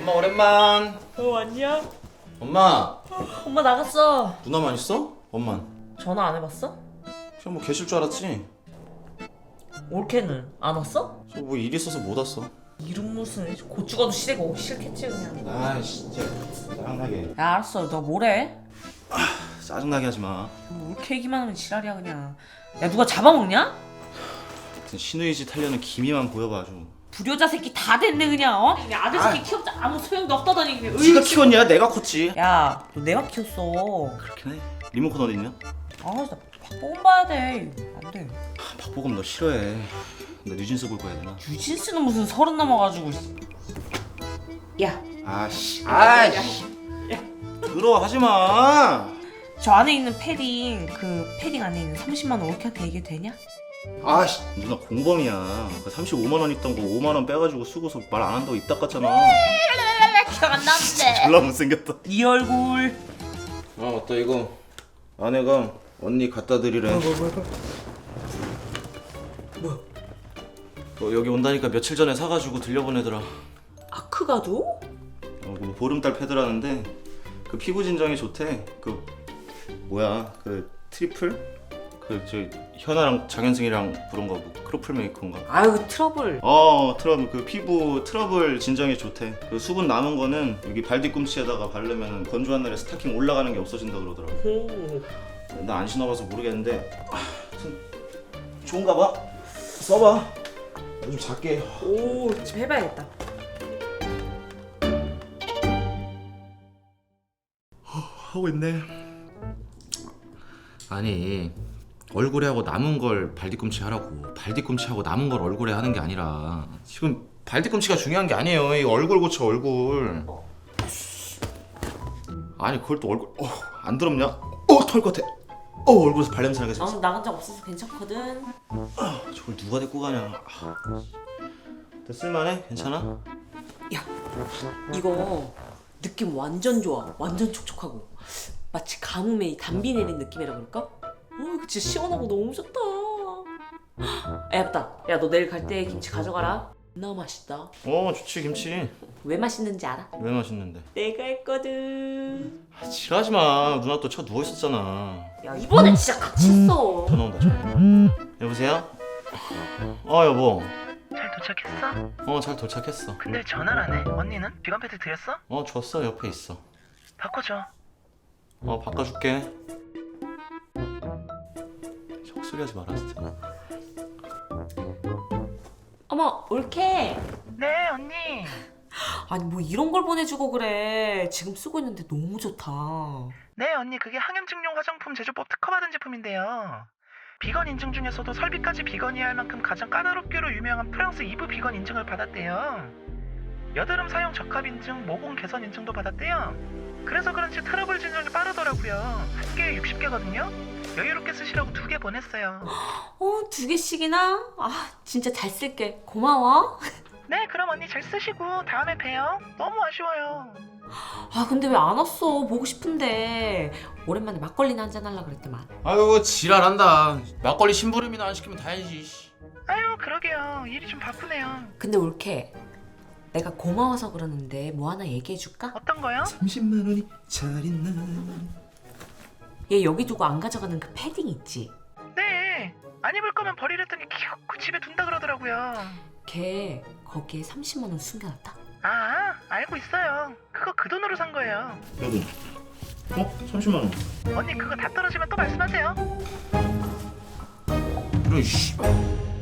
엄마 오랜만. 왔냐? 엄마. 엄마 나갔어. 누나만 있어? 엄만. 전화 안 해봤어? 그냥 뭐 계실 줄 알았지. 올케는 안 왔어? 저 뭐 일 있어서 못 왔어. 이름 무슨 고추 가도 시래가 오기 싫겠지 그냥. 아 진짜 짜증나게. 야 알았어, 너 뭐래? 짜증나게 하지 마. 올케 얘기만 하면 지랄이야 그냥. 야 누가 잡아먹냐? 신우이 짓 하려는 기미만 보여봐 아주. 불효자 새끼 다 됐네 그냥. 어? 그냥 아들 새끼 키웠자 아무 소용도 없다더니 그냥. 네가 키웠냐? 내가 컸지. 야, 너 내가 키웠어. 그렇긴 해. 리모컨 어디 있냐? 아, 나 박보검 봐야 돼. 안 돼. 박보검 너 싫어해. 나 뉴진스 볼 거야 되나? 유진스는 무슨 30 넘어가지고. 야, 아씨. 아이씨. 들어 하지 마. 저 안에 있는 패딩, 그 패딩 안에 있는 30만 원 올케한테 얘기해도 되냐? 아씨. 누나 공범이야. 그 35만 원 있던 거 5만 원 빼가지고 쓰고서 말 안 한다고 입 닦았잖아. 기억 안 나는데. 졸라 못생겼다. 네 얼굴. 아 맞다 이거 아내가 언니 갖다 드리래. 뭐야? 여기 온다니까 며칠 전에 사가지고 들려보내더라. 아크가도? 뭐 보름달 패드라는데 그 피부 진정에 좋대. 그 뭐야 그 트리플? 그 저 현아랑 장현승이랑 부른 거 뭐 크로플 메이커인가? 아유 트러블. 트러블 그 피부 트러블 진정에 좋대. 그 수분 남은 거는 여기 발 뒤꿈치에다가 바르면 건조한 날에 스타킹 올라가는 게 없어진다 그러더라고. 나 안 신어봐서 모르겠는데 좋은가 봐. 써봐. 좀 작게. 오, 좀 해봐야겠다. 하고 있네. 아니 얼굴에 하고 남은 걸 발뒤꿈치 하라고. 발뒤꿈치 하고 남은 걸 얼굴에 하는 게 아니라 지금 발뒤꿈치가 중요한 게 아니에요. 이 얼굴 고쳐 얼굴. 아니 그걸 또 얼굴 안 더럽냐? 털 것 같아. 얼굴에서 발냄새 나게 생겼어. 나간 적 없어서 괜찮거든. 저걸 누가 데리고 가냐. 쓸만해? 괜찮아? 야, 이거 느낌 완전 좋아. 완전 촉촉하고 마치 가뭄에 이 담비 내린 느낌이라 그럴까? 이거 진짜 시원하고 너무 좋다. 야, 맞다. 야, 너 내일 갈 때 김치 가져가라. 너무 맛있다. 좋지 김치. 왜 맛있는지 알아? 왜 맛있는데? 내가 했거든. 지랄하지 마. 누나 또 차 누워 있었잖아. 야, 이번엔 진짜 같이 했어. 전화 온다 전화. 여보세요? 여보. 잘 도착했어? 잘 도착했어. 근데 전화를 안 해. 언니는? 비건 패드 드렸어? 줬어. 옆에 있어. 바꿔줘. 바꿔줄게. 헛소리 하지 마라 진짜. 어머, 올케. 네 언니. 아니 뭐 이런 걸 보내주고 그래. 지금 쓰고 있는데 너무 좋다. 네 언니 그게 항염증용 화장품 제조법 특허받은 제품인데요. 비건 인증 중에서도 설비까지 비건이야 할 만큼 가장 까다롭기로 유명한 프랑스 이브 비건 인증을 받았대요. 여드름 사용 적합 인증, 모공 개선 인증도 받았대요. 그래서 그런지 트러블 진정이 빠르더라고요. 한 개에 60개거든요. 여유롭게 쓰시라고 2개 보냈어요. 2개씩이나? 진짜 잘 쓸게. 고마워. 네 그럼 언니 잘 쓰시고 다음에 봬요. 너무 아쉬워요. 근데 왜 안 왔어? 보고 싶은데. 오랜만에 막걸리나 한잔 하려고 그랬더만. 아유 지랄한다. 막걸리 심부름이나 안 시키면 다행이지. 아유 그러게요. 일이 좀 바쁘네요. 근데 올케, 내가 고마워서 그러는데 뭐 하나 얘기해줄까? 어떤 거요? 30만 원이 잘 있나? 얘 여기 두고 안 가져가는 그 패딩 있지? 네. 안 입을 거면 버리랬더니 그 집에 둔다 그러더라고요. 걔 거기에 30만 원 숨겨놨다. 아 알고 있어요. 그거 그 돈으로 산 거예요. 여보. 30만 원. 언니 그거 다 떨어지면 또 말씀하세요. 이런 씨.